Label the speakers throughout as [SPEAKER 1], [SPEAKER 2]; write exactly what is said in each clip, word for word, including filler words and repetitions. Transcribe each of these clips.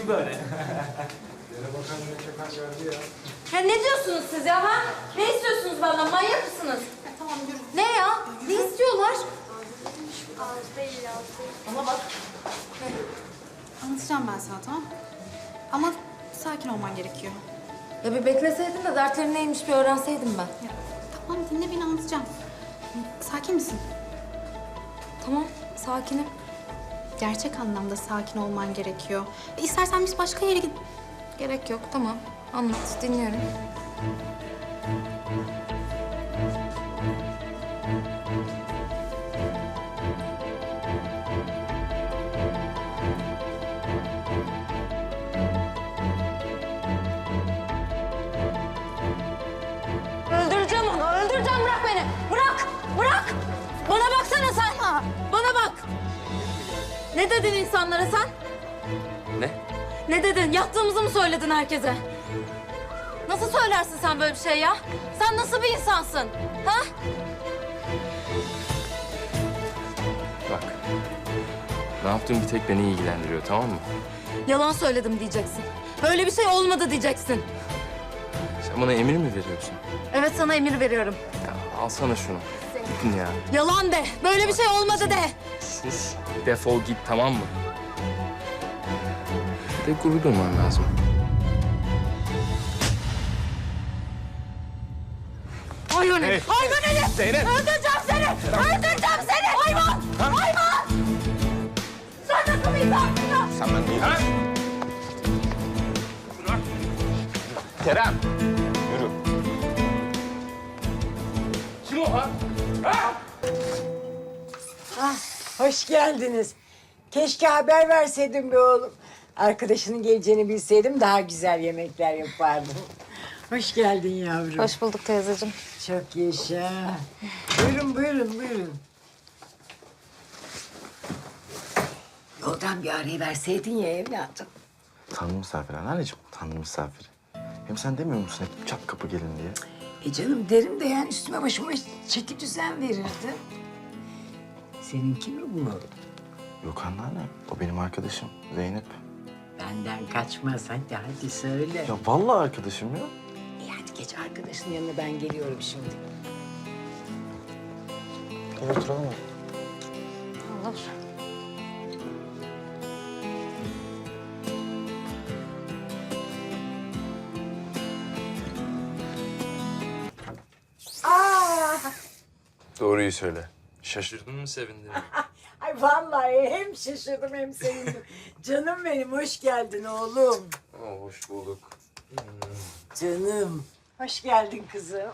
[SPEAKER 1] gibi böyle.
[SPEAKER 2] Yine bakalım ne çok az verdi ya.
[SPEAKER 3] Ya ne diyorsunuz siz ya ha? Ne istiyorsunuz benden? Manyak mısınız?
[SPEAKER 4] Tamam yürü.
[SPEAKER 3] Ne ya? Ne istiyorlar?
[SPEAKER 4] Az değil, az değil.
[SPEAKER 3] Bana bak.
[SPEAKER 4] Anlatacağım ben sana, tamam? Ama sakin olman gerekiyor.
[SPEAKER 3] Ya bir bekleseydin de dertleri neymiş bir öğrenseydim ben.
[SPEAKER 4] Ya, tamam dinle beni, anlatacağım. Sakin misin?
[SPEAKER 3] Tamam, sakinim.
[SPEAKER 4] Gerçek anlamda sakin olman gerekiyor. E, İstersen biz başka yere git.
[SPEAKER 3] Gerek yok, tamam. Anlat, dinliyorum. Öldüreceğim onu, öldüreceğim. Bırak beni. Bırak, bırak. Bana baksana sen. Bana bak. Ne dedin insanlara sen?
[SPEAKER 1] Ne?
[SPEAKER 3] Ne dedin? Yattığımızı mı söyledin herkese? Nasıl söylersin sen böyle bir şey ya? Sen nasıl bir insansın? Ha?
[SPEAKER 1] Bak. Ne yaptığım bir tek beni ilgilendiriyor, tamam mı?
[SPEAKER 3] Yalan söyledim diyeceksin. Böyle bir şey olmadı diyeceksin.
[SPEAKER 1] Sen bana emir mi veriyorsun?
[SPEAKER 3] Evet, sana emir veriyorum.
[SPEAKER 1] Ya alsana şunu. Gidin ya.
[SPEAKER 3] Yalan de. Böyle bir şey olmadı de.
[SPEAKER 1] Sus. Defol git, tamam mı? Bir de gurur duyman lazım.
[SPEAKER 3] Hayvan
[SPEAKER 1] Hey.
[SPEAKER 3] herif. Hayvan herif.
[SPEAKER 1] Zeynep.
[SPEAKER 3] Öldüreceğim seni. Öldüreceğim seni. Hayvan. Hayvan. Sen nasıl bir insansın?
[SPEAKER 1] Sen ben değil. Ha? Kerem. Yürü. Kim o ha? Ha?
[SPEAKER 5] Ah, hoş geldiniz. Keşke haber verseydin be oğlum. Arkadaşının geleceğini bilseydim daha güzel yemekler yapardım. Hoş geldin yavrum.
[SPEAKER 3] Hoş bulduk teyzeciğim.
[SPEAKER 5] Çok yaşa. Buyurun, buyurun, buyurun. Yoldan bir arayı verseydin ya evladım.
[SPEAKER 6] Tanrı misafiri anneciğim, Tanrı misafiri. Hem sen demiyor musun hep çat kapı gelin diye?
[SPEAKER 5] E canım derim de yani üstüme başıma çeki düzen verirdi. Seninki mi bu?
[SPEAKER 6] Yok anneanne, o benim arkadaşım Zeynep.
[SPEAKER 5] Benden kaçmaz. Hadi hadi söyle.
[SPEAKER 6] Ya vallahi arkadaşım ya.
[SPEAKER 5] E hadi geç arkadaşının yanına, ben geliyorum şimdi.
[SPEAKER 6] Gel oturalım mı?
[SPEAKER 3] Olur.
[SPEAKER 5] Aa!
[SPEAKER 1] Doğruyu söyle. Şaşırdın mı, sevindin mi?
[SPEAKER 5] Ay vallahi hem şaşırdım hem sevindim. Canım benim, hoş geldin oğlum.
[SPEAKER 1] Aa, hoş bulduk.
[SPEAKER 5] Canım. Hoş geldin kızım.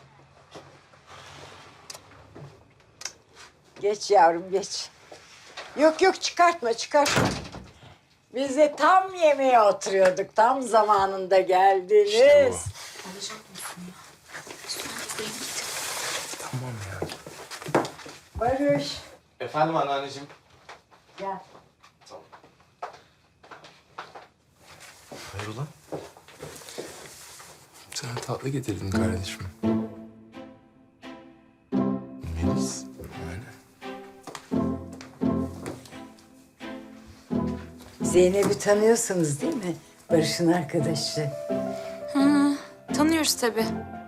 [SPEAKER 5] Geç yavrum, geç. Yok yok, çıkartma, çıkartma. Biz de tam yemeğe oturuyorduk. Tam zamanında geldiniz.
[SPEAKER 1] İşte Tamam ya.
[SPEAKER 5] Barış,
[SPEAKER 6] Efendim anneanneciğim.
[SPEAKER 5] gel.
[SPEAKER 6] Hayrola?
[SPEAKER 1] Sana tatlı getirdim kardeşim.
[SPEAKER 6] Melis.
[SPEAKER 1] Öyle.
[SPEAKER 5] Zeynep'i tanıyorsunuz değil mi? Barış'ın arkadaşı.
[SPEAKER 3] Tanıyoruz tabii.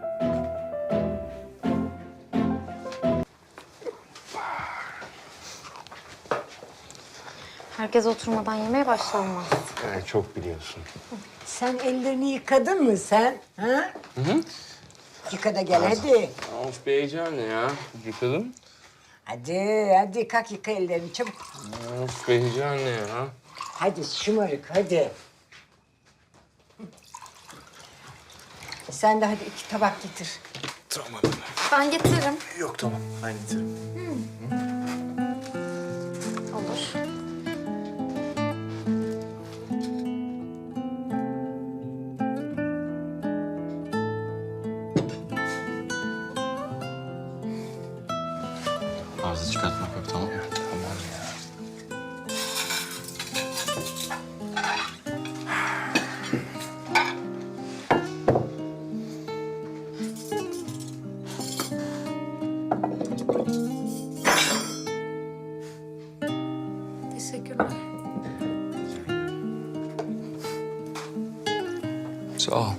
[SPEAKER 3] Herkes oturmadan yemeye başlanmaz.
[SPEAKER 6] Evet, çok biliyorsun.
[SPEAKER 5] Sen ellerini yıkadın mı sen? Ha? Hı hı. Yıka da gel hadi.
[SPEAKER 1] Of be heyecanlı ya. Yıkadım.
[SPEAKER 5] Hadi, hadi kalk yıka ellerini çabuk.
[SPEAKER 1] Of be heyecanlı ya.
[SPEAKER 5] Hadi şımarık, hadi. Sen de hadi iki tabak getir.
[SPEAKER 1] Tamam.
[SPEAKER 3] Ben getiririm.
[SPEAKER 6] Yok tamam, ben getiririm.
[SPEAKER 3] Olur.
[SPEAKER 6] Arıza çıkartmak yok, tamam mı?
[SPEAKER 1] Tamam ya.
[SPEAKER 3] Teşekkürler.
[SPEAKER 1] Sağ ol.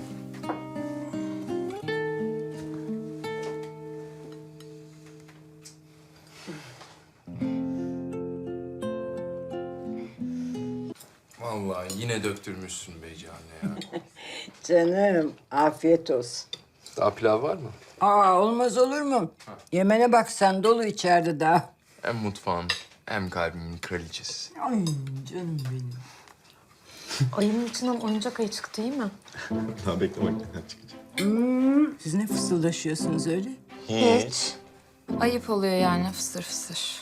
[SPEAKER 1] Vallahi yine döktürmüşsün beyci anne ya.
[SPEAKER 5] Canım afiyet olsun.
[SPEAKER 1] Daha pilav var mı?
[SPEAKER 5] Aa olmaz olur mu? Yemene bak sen dolu içeride daha.
[SPEAKER 1] Hem mutfağın hem kalbimin kraliçesi.
[SPEAKER 5] Ay canım benim.
[SPEAKER 3] Ayının içinden oyuncak ayı çıktı değil mi?
[SPEAKER 6] Daha bekle bak neler çıkacak.
[SPEAKER 5] Siz ne fısıldaşıyorsunuz öyle?
[SPEAKER 3] Hiç. Ayıp oluyor yani fısır fısır.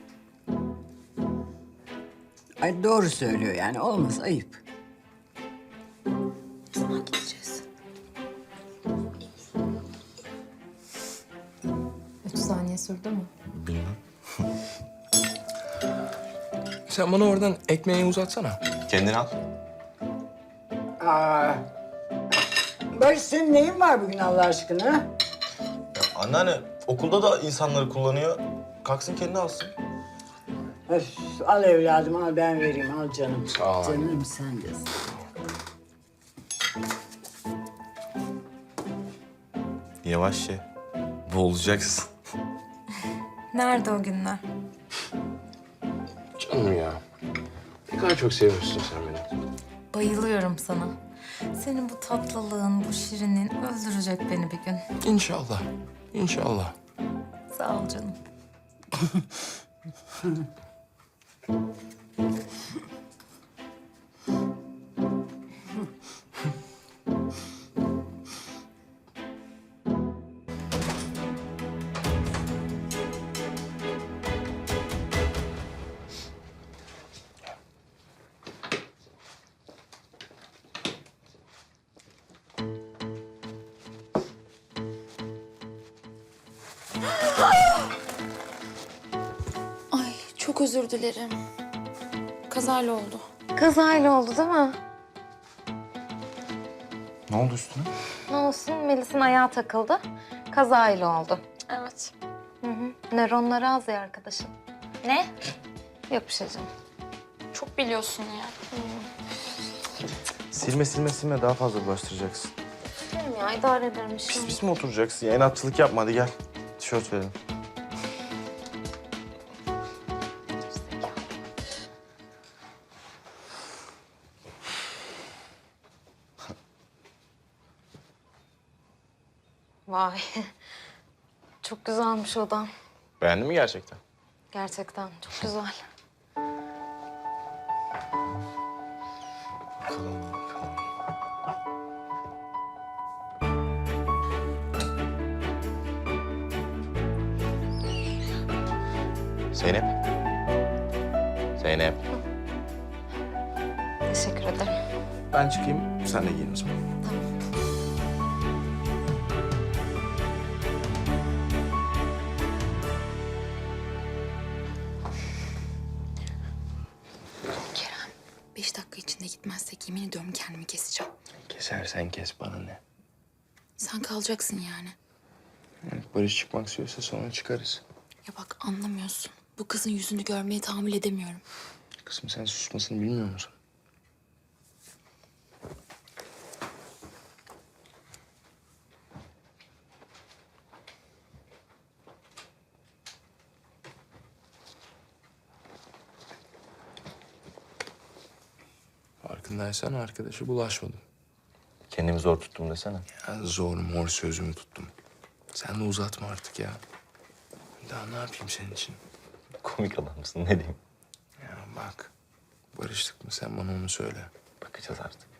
[SPEAKER 5] Ay doğru söylüyor yani olmaz ayıp.
[SPEAKER 3] Sana gideceğiz. Üç saniye sürdü mü?
[SPEAKER 6] Bilmem.
[SPEAKER 1] Sen bana oradan ekmeği uzatsana.
[SPEAKER 6] Kendini al.
[SPEAKER 5] Aa. Barış senin neyin var bugün Allah aşkına?
[SPEAKER 6] Ya anneanne okulda da insanları kullanıyor. Kalksın kendini alsın.
[SPEAKER 5] Öf, al evladım al ben vereyim al canım.
[SPEAKER 1] Sağ ol anne.
[SPEAKER 5] Canım sen de.
[SPEAKER 6] Yavaş ye. Boğulacaksın.
[SPEAKER 3] Nerede o günler?
[SPEAKER 1] Canım ya. Ne kadar çok seviyorsun sen beni.
[SPEAKER 3] Bayılıyorum sana. Senin bu tatlılığın, bu şirinin öldürecek beni bir gün.
[SPEAKER 1] İnşallah. İnşallah.
[SPEAKER 3] Sağ ol canım.
[SPEAKER 4] Ay çok özür dilerim. Kazayla oldu.
[SPEAKER 3] Kazayla oldu değil mi?
[SPEAKER 6] Ne oldu üstüne?
[SPEAKER 3] Ne olsun Melis'in ayağı takıldı. Kazayla oldu.
[SPEAKER 4] Evet.
[SPEAKER 3] Hı hı. Nöronları az ya arkadaşım. Ne? Yok bir şey canım.
[SPEAKER 4] Çok biliyorsun ya.
[SPEAKER 6] Silme silme silme daha fazla bulaştıracaksın.
[SPEAKER 3] Benim ya idare ederim
[SPEAKER 6] Pis
[SPEAKER 3] şimdi.
[SPEAKER 6] pis mi oturacaksın ya? İnatçılık yapma hadi gel. Tişört verelim.
[SPEAKER 3] Vay. Çok güzelmiş odan.
[SPEAKER 6] Beğendin mi gerçekten?
[SPEAKER 3] Gerçekten çok güzel.
[SPEAKER 6] Bakalım bakalım. Zeynep. Zeynep.
[SPEAKER 3] Teşekkür ederim.
[SPEAKER 6] Ben çıkayım, sen de giyin o zaman.
[SPEAKER 4] Kerem, beş dakika içinde gitmezsek yemin ediyorum kendimi keseceğim.
[SPEAKER 1] Kesersen kes bana ne.
[SPEAKER 4] Sen kalacaksın yani.
[SPEAKER 1] Barış çıkmak istiyorsa sonra çıkarız.
[SPEAKER 4] Ya bak anlamıyorsun. Bu kızın yüzünü görmeye tahammül edemiyorum.
[SPEAKER 1] Kızım sen susmasını bilmiyor musun? Farkındaysan arkadaşı bulaşmadım.
[SPEAKER 6] Kendimi zor tuttum desene.
[SPEAKER 1] Ya zor mor sözümü tuttum. Sen de uzatma artık ya. Daha ne yapayım senin için?
[SPEAKER 6] Komik adamsın ne diyeyim.
[SPEAKER 1] Ya bak. Barıştık mı sen bana onu söyle.
[SPEAKER 6] Bakacağız artık.